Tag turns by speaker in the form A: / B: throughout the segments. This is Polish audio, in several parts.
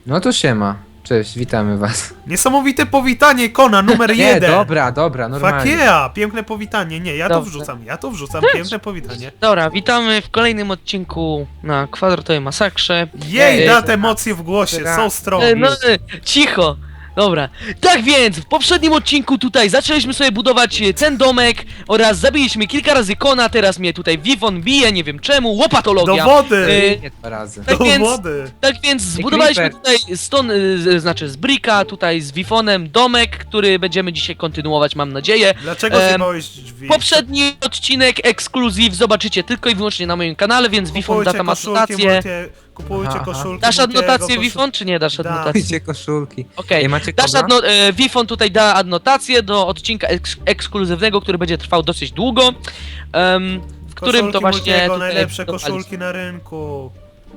A: No to siema. Cześć, witamy was.
B: Niesamowite powitanie, Kona, numer
A: Nie,
B: 1.
A: dobra,
B: Fuck
A: normalnie.
B: yeah, piękne powitanie. Nie, ja to
C: Dobrze.
B: wrzucam, piękne powitanie.
C: Dobra, witamy w kolejnym odcinku na kwadratowej masakrze.
B: Jej,
C: Ej,
B: dat emocje w głosie, so strong.
C: Cicho! Dobra, tak więc w poprzednim odcinku tutaj zaczęliśmy sobie budować ten domek oraz zabiliśmy kilka razy Kona, teraz mnie tutaj Vivon bije, nie wiem czemu, łopatologia.
B: Dowody!
A: Nie 2 razy.
C: tak więc-
B: Dowody!
C: Tak więc zbudowaliśmy
A: Creeper.
C: tutaj znaczy z Bricka, tutaj z Vifonem domek, który będziemy dzisiaj kontynuować, mam nadzieję.
B: Dlaczego zjebałeś drzwi?
C: Poprzedni odcinek ekskluzyw zobaczycie tylko i wyłącznie na moim kanale, więc Vifon da tam adnotację.
B: Kupujcie
A: Aha.
B: koszulki.
C: Dasz
B: Multiego,
C: adnotację Vifon, czy nie dasz
B: Da.
C: adnotację?
A: Dajcie koszulki.
C: Okej,
A: Ej, macie
C: dasz
A: kobra?
C: Vifon tutaj da adnotację do odcinka ekskluzywnego, który będzie trwał dosyć długo, w którym
B: Koszulki
C: to właśnie
B: Multiego,
C: tutaj
B: najlepsze
C: budowaliśmy.
B: koszulki na rynku.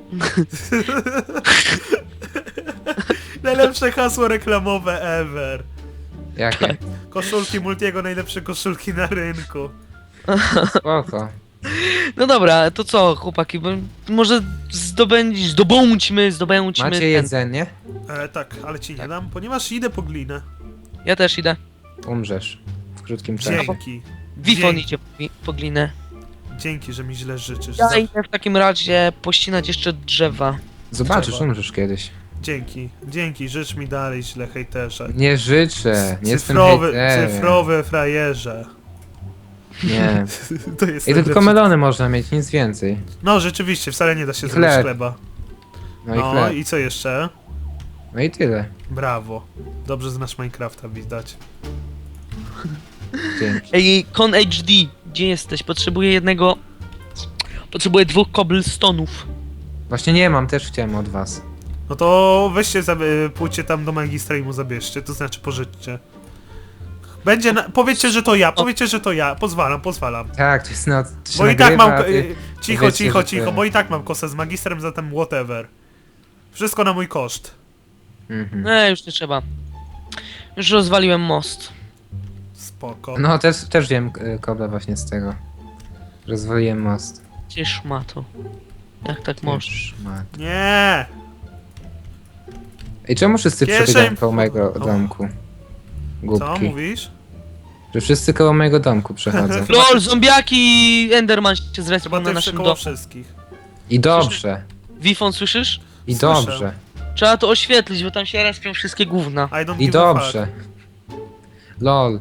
B: Najlepsze hasło reklamowe ever.
A: Jakie?
B: Koszulki Multiego, najlepsze koszulki na rynku.
A: Spoko.
C: No dobra, to co chłopaki, może zdobądźmy
A: Macie
C: ten.
A: jedzenie?
B: Tak, ale ci nie dam, ponieważ idę po glinę.
C: Ja też idę.
A: Umrzesz. W krótkim czasie.
B: Dzięki.
C: Vifon
B: Dzięki.
C: idzie po glinę.
B: Dzięki, że mi źle życzysz.
C: Ja idę w takim razie pościnać jeszcze drzewa.
A: Zobaczysz,
B: Trzeba.
A: umrzesz kiedyś.
B: Dzięki, życz mi dalej źle, hejterze.
A: Nie życzę, nie jestem
B: Cyfrowy,
A: hejterem.
B: cyfrowy frajerze.
A: Nie.
B: To jest
A: I to tylko
B: najlepsze.
A: melony można mieć, nic więcej.
B: No rzeczywiście, wcale nie da się
A: I
B: zrobić
A: chleb.
B: chleba.
A: No i
B: No
A: chleb.
B: i co jeszcze?
A: No i tyle.
B: Brawo. Dobrze znasz Minecrafta, widać.
A: Dzięki.
C: Ej, Con HD, gdzie jesteś? Potrzebuję 2 cobblestone'ów.
A: Właśnie nie mam, też chciałem od was.
B: No to weźcie, pójdźcie tam do magistra i mu zabierzcie, to znaczy pożyczcie. Będzie powiedzcie, że to ja, pozwalam.
A: Tak, to jest no... to się
B: Bo i tak
A: nagrywa,
B: mam...
A: a ty-
B: Cicho,
A: powiedzcie,
B: cicho,
A: że
B: cicho,
A: ty-
B: bo i tak mam kosę z magistrem, zatem whatever. Wszystko na mój koszt.
A: Mhm.
C: Nie, już nie trzeba. Już rozwaliłem most.
B: Spoko.
A: No też wiem kobla właśnie z tego. Rozwaliłem most.
C: Gdzie szmato? Jak tak możesz?
A: Szmat.
B: Nie!
A: Ej, czemu wszyscy
B: Kieszeń-
A: przebiegają koło mojego
B: O.
A: domku?
B: Co
A: Głupki.
B: mówisz?
A: Że wszyscy koło mojego domku przechodzą.
C: LOL, zombiaki i Enderman się
B: Chyba
C: zrespią na
B: ty
C: naszym
B: koło
C: domu.
B: wszystkich.
A: I dobrze.
C: Wifon, słyszysz?
A: I
B: Słyszę.
A: dobrze.
C: Trzeba to oświetlić, bo tam się respią wszystkie gówna.
B: I don't
A: I
B: give a fuck.
A: dobrze. LOL.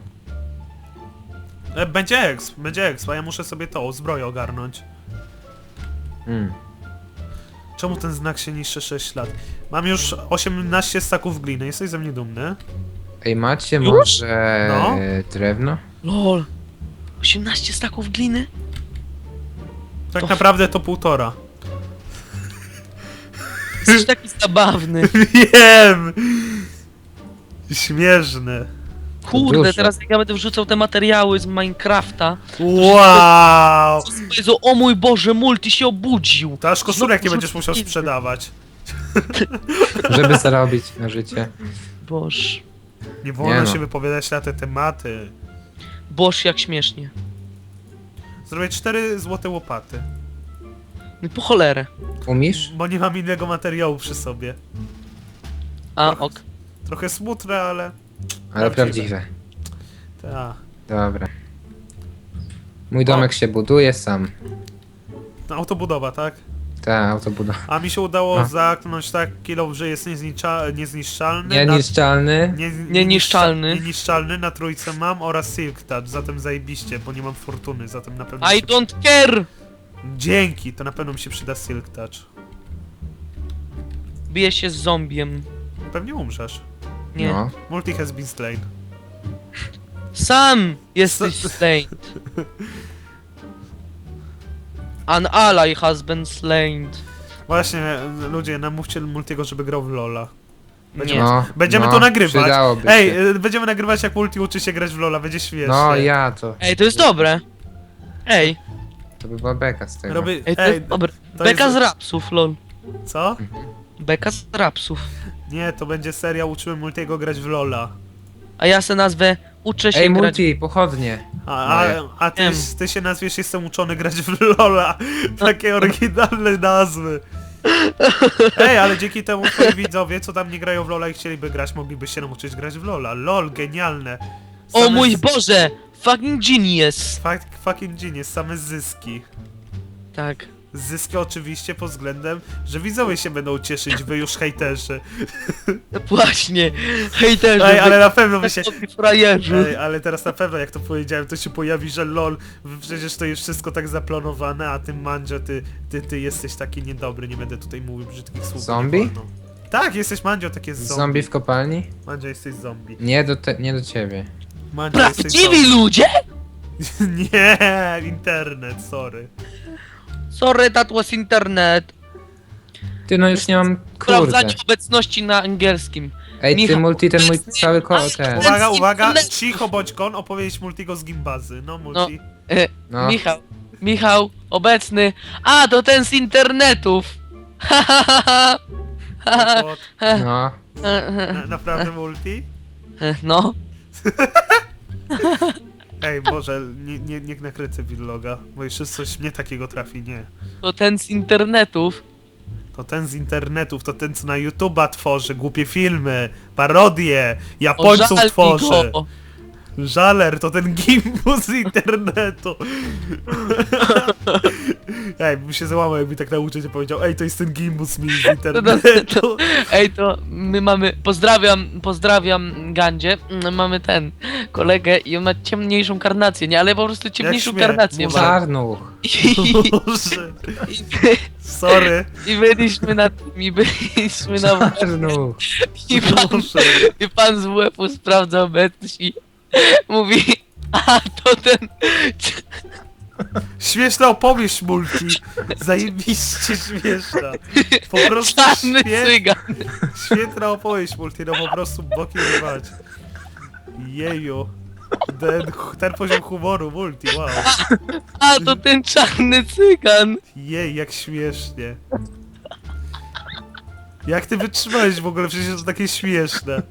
B: Będzie exp, a ja muszę sobie to, zbroję ogarnąć.
A: Mm.
B: Czemu ten znak się niszczy 6 lat? Mam już 18 staków gliny, jesteś ze mnie dumny?
A: Ej, macie
C: Już?
A: może
B: No.
A: drewno?
C: LOL. 18 staków gliny?
B: Tak
C: To-
B: naprawdę to 1,5.
C: Jesteś taki zabawny.
B: Wiem! Śmieszne.
C: Kurde,
A: Dużo.
C: teraz jak ja będę wrzucał te materiały z Minecrafta.
B: Wow!
C: Jezu, o mój Boże, multi się obudził.
B: To aż koszulek nie
C: Znowu
B: będziesz musiał
C: rzucił.
B: sprzedawać.
A: Żeby zarobić na życie.
C: Boż.
B: Nie wolno
A: Nie no.
B: się wypowiadać na te tematy.
C: Boż, jak śmiesznie.
B: Zrobię 4 złote łopaty.
C: No po cholerę.
A: Umiesz?
B: Bo nie mam innego materiału przy sobie.
C: A, ok.
B: Trochę smutne, ale...
A: Ale
B: Prawdziwe.
A: prawdziwe.
B: Ta.
A: Dobra. Mój domek się buduje sam.
B: No, autobudowa, tak?
A: Ta autobudowa.
B: A mi się udało
A: A.
B: zamknąć tak kilo, że jest niezniszczalny.
A: Nieniszczalny.
C: Nieniszczalny.
B: Nieniszczalny, na trójce mam oraz Silk Touch, zatem zajebiście, bo nie mam fortuny, zatem na pewno...
C: I
B: mi się
C: don't care!
B: Dzięki, to na pewno mi się przyda Silk Touch.
C: Bije się z zombiem.
B: Pewnie umrzesz.
C: Nie.
A: No.
B: Multi has been slain.
C: Sam jesteś slain. An ally has been slain.
B: Właśnie, ludzie, namówcie Multiego, żeby grał w LoL'a.
C: Nie.
A: No,
B: Będziemy
A: no,
B: to nagrywać.
A: przydałoby
B: Ej,
A: się.
B: będziemy nagrywać jak Multi uczy się grać w LoL'a, będzie świetnie.
A: No ja to.
C: Ej, to jest dobre. Ej,
A: To by była beka z tego.
B: Robię...
C: ej, to jest dobre.
B: to
C: Beka
B: jest-
C: z rapsów, lol.
B: Co?
C: Beka z rapsów.
B: Nie, to będzie seria Uczyłem Multiego grać w LoL'a.
C: A ja se nazwę Uczę się
A: Ej,
C: grać.
A: multi, pochodnie.
B: A
C: Wiem.
B: ty się nazwiesz Jestem uczony grać w LoL'a. Takie oryginalne nazwy. Ej, ale dzięki temu twoi widzowie, co tam nie grają w LoL'a i chcieliby grać, mogliby się nauczyć grać w LoL'a. LoL, genialne.
C: O
B: Same
C: mój Boże! Fucking genius!
B: Fucking genius, same zyski.
C: Tak.
B: Zyski oczywiście pod względem, że widzowie się będą cieszyć, wy już hejterzy.
C: Właśnie. Hejterzy.
B: Ej, ale na pewno by się...
C: Frajerzy.
B: Ej, ale teraz na pewno, jak to powiedziałem, to się pojawi, że LOL, przecież to jest wszystko tak zaplanowane, a ty Mandzio, ty jesteś taki niedobry, nie będę tutaj mówił brzydkich słów.
A: Zombie?
B: nie wolno. Tak, jesteś Mandzio, takie zombie.
A: Zombie w kopalni?
B: Mandzio, jesteś zombie.
A: Nie do ciebie.
B: Mandzio, jesteś
C: Prawdziwi ludzie?
B: zombie. Nie, internet, sorry.
C: Sorry, that was internet.
A: Ty, no już nie mam... Kurde.
C: Sprawdzanie obecności na angielskim.
A: Ej, ty
C: Michał,
A: multi, ten mój cały ten.
B: Uwaga,
C: internet.
B: cicho bądź kon, opowiedzieć Multigo z Gimbazy. No, Multi.
A: No.
C: Michał, obecny. A, to ten z internetów. Ha, ha, ha, ha. Ha,
B: No,
A: No.
B: naprawdę Multi?
C: No.
B: Ej, Boże, nie nakręcę vloga, bo jeszcze coś mnie takiego trafi, nie.
C: To ten z internetów.
B: To ten z internetów, to ten co na YouTube'a tworzy, głupie filmy, parodie,
C: O,
B: Japońców
C: żal mi
B: tworzy.
C: go.
B: Żaler, to ten gimbus z internetu. Ej, bym się załamał, jakby tak nauczyciel powiedział, ej, to jest ten gimbus mi z internetu.
C: Ej, to my mamy. Pozdrawiam Gandzie. Mamy ten kolegę i on ma ciemniejszą karnację, nie? Ale po prostu ciemniejszą
B: śmiech,
C: karnację
B: muza.
C: ma.
A: Czarnuch.
B: Boże, sorry.
C: I byliśmy na tym, i byliśmy na
A: Czarnuch.
B: Boże.
C: i pan z WF-u sprawdza obecność i mówi, a to ten...
B: Śmieszna opowieść, Multi. Zajebiście śmieszna. Po prostu
C: Czarny cygan.
B: świetna opowieść, Multi, no po prostu boki rywać. Jeju. Ten poziom humoru, Multi, wow.
C: A to ten czarny cygan.
B: Jej, jak śmiesznie. Jak ty wytrzymałeś w ogóle? Przecież to takie śmieszne.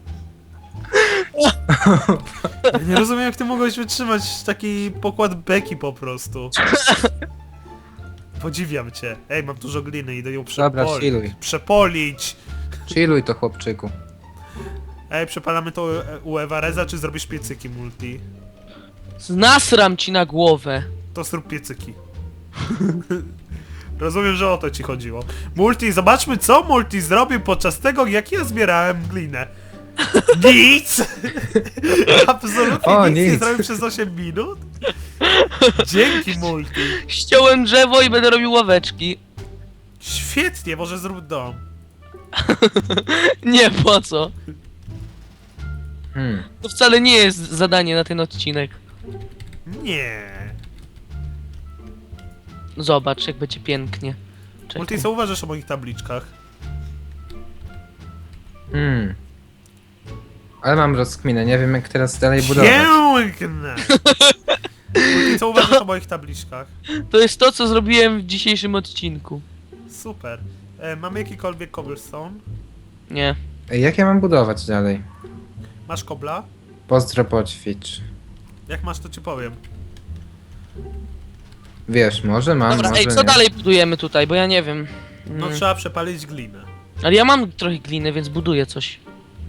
B: Ja nie rozumiem, jak ty mogłeś wytrzymać taki pokład beki po prostu. Podziwiam cię. Ej, mam dużo gliny, idę ją
A: Dobra,
B: przepolić.
A: chilluj.
B: Przepolić!
A: Chilluj to, chłopczyku.
B: Ej, przepalamy to u Ewareza, czy zrobisz piecyki, Multi?
C: Nasram ci na głowę.
B: To zrób piecyki. Rozumiem, że o to ci chodziło. Multi, zobaczmy co Multi zrobił podczas tego, jak ja zbierałem glinę. Nic! Absolutnie
A: O,
B: nic nie
A: nic.
B: zrobił przez 8 minut? Dzięki, Multi.
C: Ściąłem drzewo i będę robił ławeczki.
B: Świetnie, może zrób dom.
C: Nie, po co?
A: Hmm.
C: To wcale nie jest zadanie na ten odcinek.
B: Nie.
C: Zobacz, jak będzie pięknie. Czekaj.
B: Multi, co uważasz o moich tabliczkach?
A: Hmm. Ale mam rozkminę, nie wiem jak teraz dalej budować.
B: Piękne! Multi, co uważasz o moich tabliczkach?
C: To jest to, co zrobiłem w dzisiejszym odcinku.
B: Super. Mamy jakikolwiek cobblestone?
C: Nie.
A: Ej, jak ja mam budować dalej?
B: Masz kobla?
A: Pozdro poćwicz.
B: Jak masz, to ci powiem.
A: Wiesz, może mam,
C: Dobra,
A: może
C: ej, co
A: nie.
C: dalej budujemy tutaj, bo ja nie wiem.
B: No trzeba przepalić glinę.
C: Ale ja mam trochę gliny, więc buduję coś.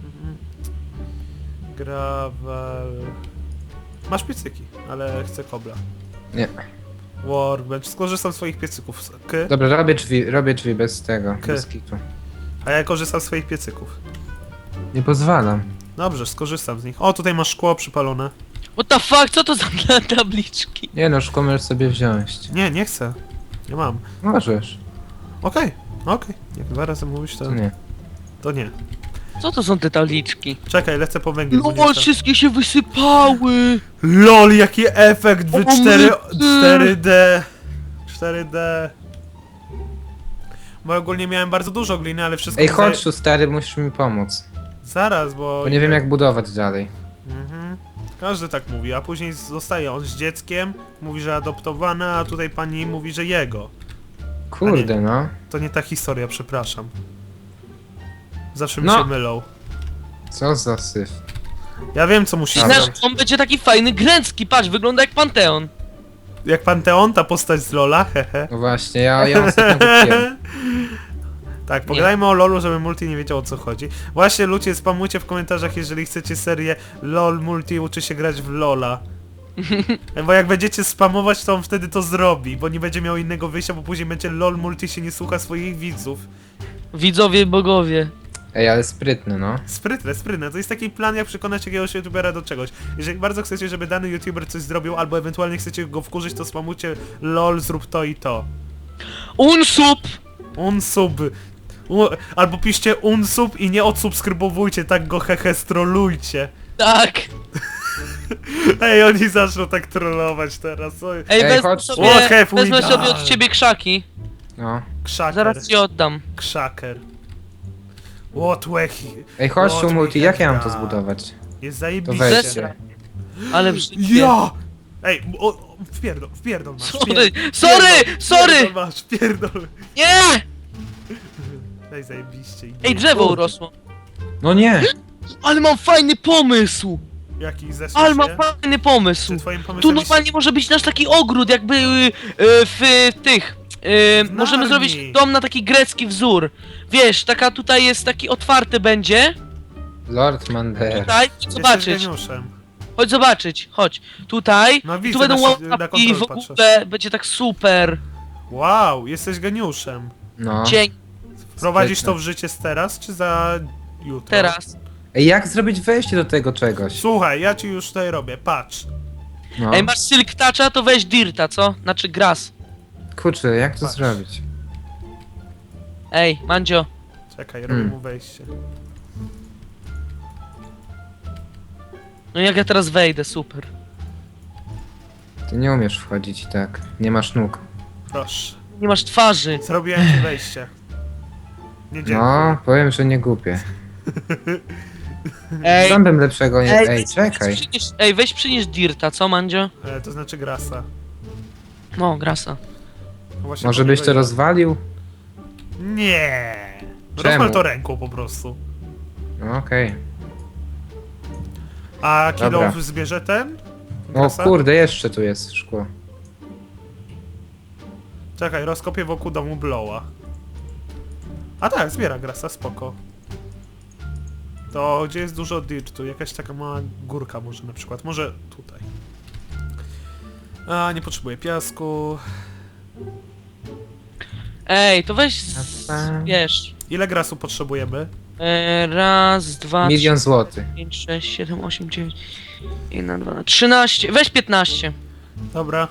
B: Gravel... Masz piecyki, ale chcę kobla.
A: Nie.
B: Workbench, skorzystam z swoich piecyków.
A: Dobra, robię drzwi bez tego, bez kitu.
B: A ja korzystam z swoich piecyków.
A: Nie pozwalam.
B: Dobrze, skorzystam z nich. O, tutaj masz szkło przypalone.
C: What the fuck, co to za tabliczki?
A: Nie no, szkło możesz sobie wziąć.
B: Nie, nie chcę. Nie mam.
A: Możesz.
B: Okej. Jak 2 razy mówisz, to
A: To nie.
B: to nie.
C: Co to są te tabliczki?
B: Czekaj, lecę po węgiel. bo nie
C: No,
B: chcę.
C: wszystkie się wysypały!
B: LOL, jaki efekt w
C: O,
B: 4D. 4D. Bo ogólnie miałem bardzo dużo gliny, ale wszystko...
A: Ej,
B: mi
A: chodź tu stary, musisz mi pomóc.
B: Zaraz, bo...
A: Bo nie wiem jak budować dalej.
B: Mhm. Każdy tak mówi, a później zostaje on z dzieckiem, mówi, że adoptowana, a tutaj pani mówi, że jego.
A: Kurde no.
B: To nie ta historia, przepraszam. Zawsze mi
A: No.
B: się mylą.
A: Co za syf.
B: Ja wiem, co musi
A: Dobra.
B: zrobić.
C: Znaczy, on będzie taki fajny, gręcki, patrz, wygląda jak Panteon.
B: Jak Panteon, ta postać z Lola, hehe.
A: No właśnie, ja ostatnio kupiłem.
B: Tak, pogadajmy o LoLu, żeby Multi nie wiedział o co chodzi. Właśnie ludzie, spamujcie w komentarzach, jeżeli chcecie serię LoL Multi uczy się grać w LoLa. Bo jak będziecie spamować, to on wtedy to zrobi, bo nie będzie miał innego wyjścia, bo później będzie LoL Multi się nie słucha swoich widzów.
C: Widzowie, bogowie.
A: Ej, ale sprytny, no.
B: Sprytne, sprytne. To jest taki plan, jak przekonać jakiegoś youtubera do czegoś. Jeżeli bardzo chcecie, żeby dany youtuber coś zrobił, albo ewentualnie chcecie go wkurzyć, to spamujcie LOL, zrób to i to.
C: Unsub!
B: Unsub. Albo piszcie unsub i nie odsubskrybowujcie, tak go hehe strolujcie.
C: Tak!
B: Ej, oni zaczną tak trollować teraz. Oj.
C: Ej,
A: Ej, chodź.
C: sobie,
B: What have we
C: wezmę sobie
B: done?
C: od ciebie krzaki.
A: No.
B: Krzaker.
C: Zaraz ci oddam.
B: Krzaker. What wechi.
A: Ej, chodź
B: What
A: tu,
B: we
A: Multi, jak ja mam to
B: have done.
A: zbudować?
B: Jest
A: To
B: zajebiście.
A: weźcie.
C: Ale brzydkie.
B: Ja! Ej, wpierdol masz.
C: Sorry!
B: Masz, wpierdol.
C: Nie!
B: Ej, zajebiście.
C: Ej, drzewo urosło.
A: No nie!
C: Ale mam fajny pomysł!
B: Jaki zesłał
C: Ale
B: się?
C: mam fajny pomysł.
B: Czy twoim
C: Tu
B: pomysłem
C: normalnie może być nasz taki ogród, jakby w tych. Możemy
B: Narni.
C: zrobić dom na taki grecki wzór. Wiesz, taka tutaj jest taki otwarty będzie.
A: Lord Mander.
C: Tutaj, chodź
B: Jesteś
C: zobaczyć.
B: geniuszem.
C: Chodź zobaczyć, chodź. Tutaj.
B: No
C: I
B: widzę,
C: tu będą
B: na
C: łapki
B: kontrol
C: w
B: patrzę.
C: ogóle, będzie tak super.
B: Wow, jesteś geniuszem.
A: No.
C: Dzień,
B: Wprowadzisz
A: Sprytne.
B: to w życie z teraz, czy za jutro?
C: teraz.
A: Ej, jak zrobić wejście do tego czegoś?
B: Słuchaj, ja ci już tutaj robię, patrz.
A: No.
C: Ej, masz silk toucha, to weź dirta, co? Znaczy grass.
A: Kurczę, jak to
B: Patrz.
A: zrobić?
C: Ej, Mandzio.
B: Czekaj, robię mu wejście.
C: No jak ja teraz wejdę, super.
A: Ty nie umiesz wchodzić i tak. Nie masz nóg.
B: Proszę.
C: Nie masz twarzy.
B: Zrobiłem ci wejście. Nie dziękuję.
A: No, powiem, że nie głupie.
C: Ej,
A: Sam bym lepszego nie... Ej,
C: weź
A: czekaj.
C: weź przynieś dirta, co Mandzio?
B: To znaczy grasa.
C: No, grasa.
B: No właśnie
A: Może
B: po
A: byś
B: niego
A: to
B: idę.
A: rozwalił?
B: Nie.
A: Czemu?
B: Rozwal to ręką po prostu.
A: No okej.
B: A
A: Dobra.
B: kilo zbierze ten?
A: O
B: Grasa?
A: kurde, jeszcze tu jest szkło.
B: Czekaj, rozkopię wokół domu Blowa. A tak, zbiera grasa, spoko. To gdzie jest dużo dirtu? Jakaś taka mała górka może na przykład. Może tutaj. A, nie potrzebuję piasku.
C: Ej, to weź wiesz.
B: Ile grasu potrzebujemy?
C: Raz, dwa,
A: 1 000 000
C: trzy,
A: złotych.
C: 5, 6, 7, 8, 9, 1, 2, 13, weź 15.
B: Dobra.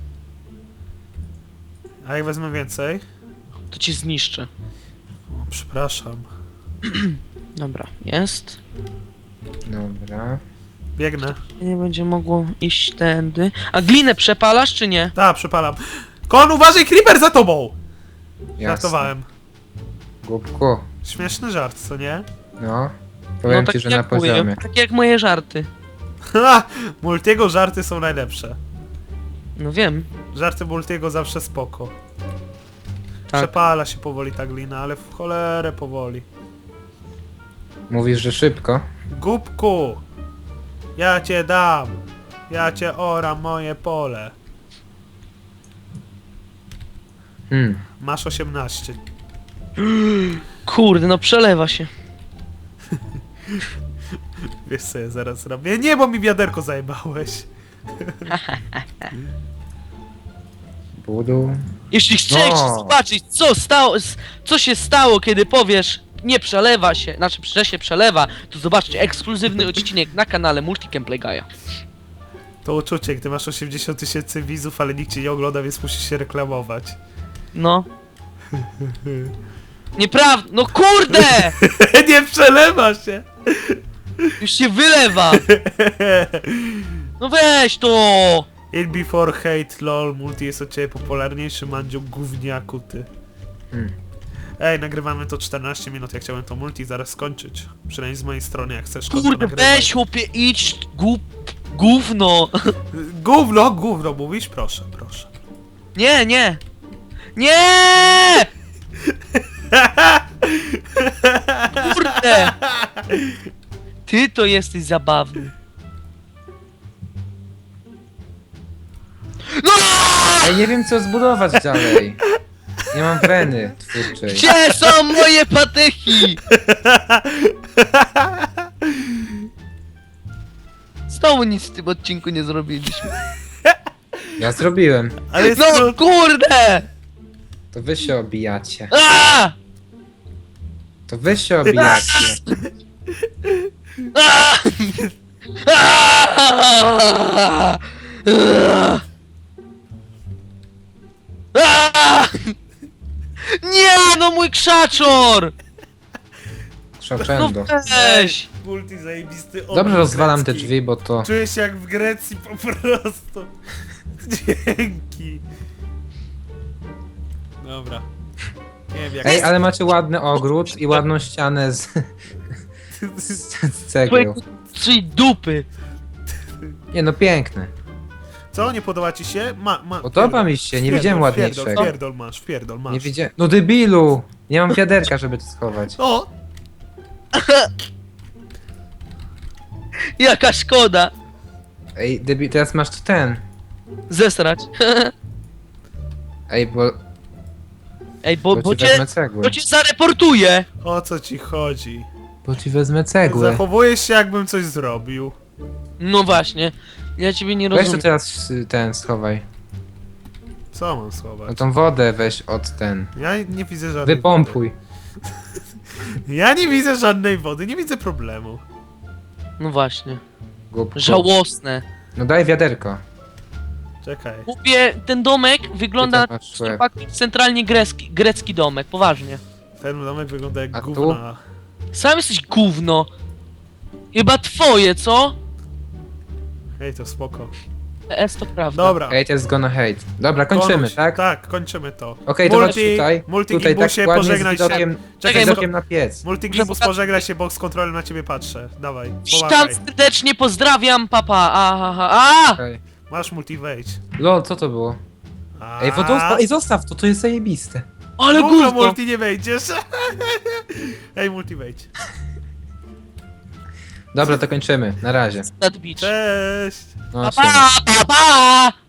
B: A jak wezmę więcej?
C: To ci zniszczę.
B: O, przepraszam.
C: Dobra, jest.
A: Dobra.
B: Biegnę.
C: Nie będzie mogło iść tędy. A glinę przepalasz czy nie?
B: Tak, przepalam. Kon, uważaj, creeper za tobą!
A: Jasne.
B: Żartowałem.
A: Głupku.
B: Śmieszny żart, co nie?
A: No. Powiem
C: tak
A: ci, że
C: jak
A: na poziomie.
C: Moje, tak jak moje żarty.
B: Ha! Multiego żarty są najlepsze.
C: No wiem.
B: Żarty Multiego zawsze spoko.
C: Tak.
B: Przepala się powoli ta glina, ale w cholerę powoli.
A: Mówisz, że szybko?
B: Głupku! Ja cię dam! Ja cię oram moje pole. Masz 18.
C: Kurde, no przelewa się.
B: Wiesz co ja zaraz zrobię? Nie, bo mi wiaderko zajebałeś.
A: Budu.
C: Jeśli chcesz
A: No.
C: zobaczyć, co się stało, kiedy powiesz nie przelewa się, znaczy, że się przelewa, to zobaczcie ekskluzywny odcinek na kanale Multicam Gaia.
B: To uczucie, gdy masz 80 000 widzów, ale nikt cię nie ogląda, więc musisz się reklamować.
C: No. Nieprawda, no kurde!
B: Nie przelewa się!
C: Już się wylewa! No weź to!
B: In before hate lol, multi jest od ciebie popularniejszy, Mandziu, gówniaku ty. Ej, nagrywamy to 14 minut, ja chciałem to multi zaraz skończyć. Przynajmniej z mojej strony, jak chcesz konto
C: Kurde,
B: nagrywać.
C: weź chłopie, idź, gówno!
B: Gówno mówisz? Proszę, proszę.
C: Nie, nie! Nie! Kurde! Ty to jesteś zabawny. No!
A: Ej, nie wiem co zbudować dalej. Nie mam weny twórczej.
C: Gdzie są moje patyki? Znowu nic w tym odcinku nie zrobiliśmy.
A: Ja zrobiłem.
B: Ale jest
C: No kurde!
A: To wy się obijacie.
C: Aaa!
A: To wy się obijacie.
C: Aaa! Aaa! Aaa! Nie, no mój krzaczor! No
A: Szoczędo.
C: weź!
B: multi zajebisty
A: Dobrze
B: obraz
A: rozwalam te
B: grecki.
A: drzwi, bo to...
B: Czuję się jak w Grecji po prostu. Dzięki. Dobra. Nie wiem jak...
A: Ej, ale macie ładny ogród i ładną ścianę z cegieł.
C: Twojego czyli dupy!
A: Nie no, piękne.
B: Co, nie podoba ci się?
A: Podoba mi się, nie widziałem ładniejszego.
B: Wpierdol masz.
A: Nie widziałem... No debilu! Nie mam wiaderka, żeby to schować.
B: O!
C: Jaka szkoda!
A: Ej, debil, teraz masz tu ten.
C: Zesrać.
A: Ej, bo
C: Ej, bo
A: ci wezmę
C: cię...
A: cegły.
C: Bo cię zareportuję!
B: O co ci chodzi?
A: Bo ci wezmę cegły.
B: Zachowujesz się jakbym coś zrobił.
C: No właśnie. Ja ciebie nie
A: Weź to
C: rozumiem.
A: teraz ten, schowaj.
B: Co mam
A: No
B: schować?
A: tą wodę weź od ten.
B: Ja nie widzę żadnej
A: Wypompuj.
B: wody. Ja nie widzę żadnej wody, nie widzę problemu.
C: No właśnie.
A: Głupku.
C: Żałosne.
A: No daj wiaderko.
B: Czekaj.
C: Mówię, ten domek wygląda
A: Ty to masz
C: jak centralnie grecki domek, poważnie.
B: Ten domek wygląda jak
A: A tu?
B: gówna.
C: Sam jesteś gówno. Chyba twoje, co?
B: Hej, to spoko.
C: PS to prawda.
B: Dobra.
A: Hate is gonna hate. Dobra, kończymy,
B: Konuś.
A: tak?
B: Tak, kończymy to.
A: Okej, to chodź tutaj.
B: Multi
A: Tutaj tak
B: Gimbusie,
A: ładnie z
B: pożegnaj się.
A: widokiem,
B: Czekaj,
A: z widokiem na piec.
B: Multi
C: Muszę
B: Gimbus,
C: pokazać-
B: pożegnaj się, bo z kontrolem na ciebie patrzę. Dawaj,
C: Witam
B: pomachaj.
C: serdecznie, pozdrawiam, papa. Aha, a!
A: Okej.
B: Masz multi wejdź.
A: Lol, co to było? Ej, zostaw to, to jest zajebiste.
C: Ale
B: Gówno,
C: gówno!
B: multi nie wejdziesz. Ej, multi wejdź.
A: Dobra, to kończymy. Na razie.
C: Nadbić.
B: Cześć.
A: No,
C: Pa, pa, pa, pa!